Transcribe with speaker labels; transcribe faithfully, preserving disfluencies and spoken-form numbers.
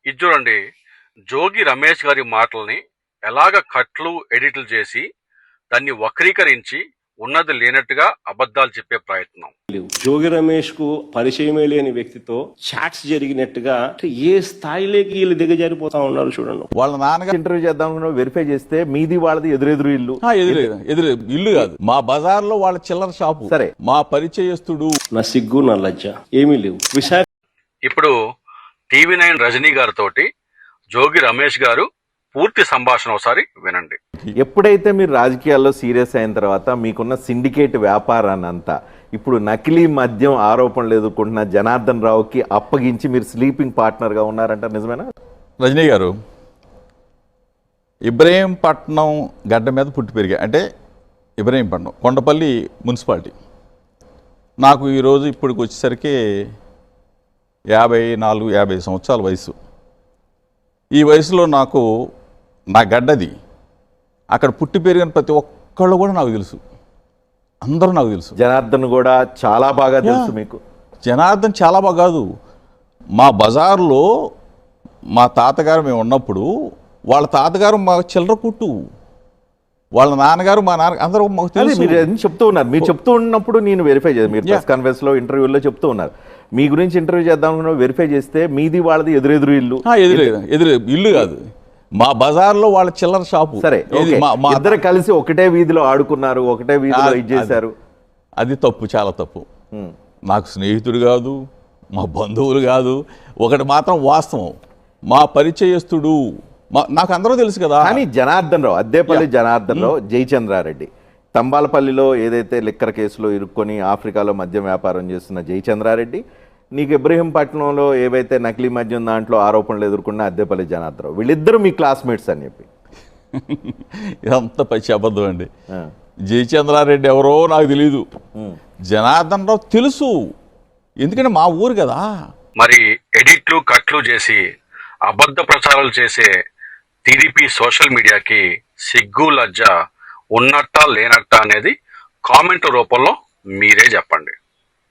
Speaker 1: ఇది చూడండి, జోగి రమేష్ గారి మాటల్ని ఎలాగ కట్లు ఎడిట్లు చేసి దాన్ని వక్రీకరించి ఉన్నది లేనట్టుగా అబద్ధాలు చెప్పే ప్రయత్నం.
Speaker 2: జోగి రమేష్ కు పరిచయమే లేని వ్యక్తితో చాట్స్ జరిగినట్టుగా ఏ స్థాయిలోకి వీళ్ళు దిగజారిపోతా ఉన్నారు చూడండి.
Speaker 3: వాళ్ళ నాన్నగారు ఇంటర్వ్యూ చేద్దాం వెరిఫై చేస్తే మీది వాళ్ళది ఎదురెదురు ఇల్లు.
Speaker 4: ఎదురు ఎదురు ఇల్లు కాదు, మా బజార్ లో వాళ్ళ చిల్లర షాపు.
Speaker 3: సరే,
Speaker 4: మా పరిచయస్తుడు.
Speaker 2: నా సిగ్గు నా లజ్జ ఏమీ లేవు. విశాఖ
Speaker 1: ఇప్పుడు టీవీ నైన్ రజనీ గారితో జోగి రమేష్ గారు పూర్తి సంభాషణ ఒకసారి వినండి.
Speaker 3: ఎప్పుడైతే మీరు రాజకీయాల్లో సీరియస్ అయిన తర్వాత మీకున్న సిండికేట్ వ్యాపారాన్ని అంతా ఇప్పుడు నకిలీ మద్యం ఆరోపణలు ఎదుర్కొంటున్న జనార్దన్ రావుకి అప్పగించి మీరు స్లీపింగ్ పార్ట్నర్ గా ఉన్నారంట, నిజమేనా?
Speaker 4: రజనీ గారు ఇబ్రహీంపట్నం గడ్డ మీద పుట్టి పెరిగా, అంటే ఇబ్రహీంపట్నం కొండపల్లి మున్సిపాలిటీ. నాకు ఈరోజు ఇప్పటికి వచ్చేసరికి యాభై నాలుగు యాభై సంవత్సరాల వయసు. ఈ వయసులో నాకు నా గడ్డది, అక్కడ పుట్టి పెరిగిన ప్రతి ఒక్కళ్ళు కూడా నాకు తెలుసు, అందరూ నాకు తెలుసు.
Speaker 3: జనార్దన్ కూడా చాలా బాగా తెలుసు మీకు.
Speaker 4: జనార్దన్ చాలా బాగా కాదు, మా బజార్లో మా తాతగారు మేము ఉన్నప్పుడు వాళ్ళ తాతగారు మా చిల్లర కుట్టు, వాళ్ళ నాన్నగారు మా నాన్న అందరూ మాకు తెలుసు.
Speaker 3: మీరు చెప్తూ ఉన్నారు, మీరు చెప్తూ ఉన్నప్పుడు నేను వెరిఫై చేయాలి. మీరు ప్రెస్ కాన్ఫరెన్స్ లో ఇంటర్వ్యూలో చెప్తూ ఉన్నారు మీ గురించి ఇంటర్వ్యూ చేద్దాం వెరిఫై చేస్తే మీది వాళ్ళది ఎదురెదురు ఇల్లు.
Speaker 4: ఎదురు ఎదురు ఇల్లు కాదు, మా బజార్లో వాళ్ళ చిల్లర షాపు.
Speaker 3: సరే, ఇద్దరు కలిసి ఒకటే వీధిలో ఆడుకున్నారు, ఒకటే వీధిలో ఇది చేశారు.
Speaker 4: అది తప్పు, చాలా తప్పు. నాకు స్నేహితుడు కాదు, మా బంధువులు కాదు. ఒకటి మాత్రం వాస్తవం, మా పరిచయస్తుడు, మా నాకు అందరూ తెలుసు కదా.
Speaker 3: కానీ జనార్దన్ రావు, అద్దేపల్లి జనార్దన్ రావు, జయచంద్రారెడ్డి తంబాలపల్లిలో ఏదైతే లిక్కర్ కేసులో ఇరుక్కొని ఆఫ్రికాలో మద్యం వ్యాపారం చేస్తున్న జయచంద్రారెడ్డి, నీకు ఇబ్రహీంపట్నంలో ఏవైతే నకిలీ మద్యం దాంట్లో ఆరోపణలు ఎదుర్కొన్న అద్దేపల్లి జనార్దన్ రావు, వీళ్ళిద్దరూ మీ క్లాస్మేట్స్ అని చెప్పి.
Speaker 4: ఇదంతా పచ్చి అబద్ధం అండి. జయచంద్రారెడ్డి ఎవరో నాకు తెలీదు, జనార్దన్ రావు తెలుసు, ఎందుకంటే మా ఊరు కదా.
Speaker 1: మరి ఎడిట్లు కట్లు చేసి అబద్ధ ప్రచారాలు చేసే టీడీపీ సోషల్ మీడియాకి సిగ్గు లజ్జ ఉన్నట్టా లేనట్టా అనేది కామెంట్ రూపంలో మీరే చెప్పండి.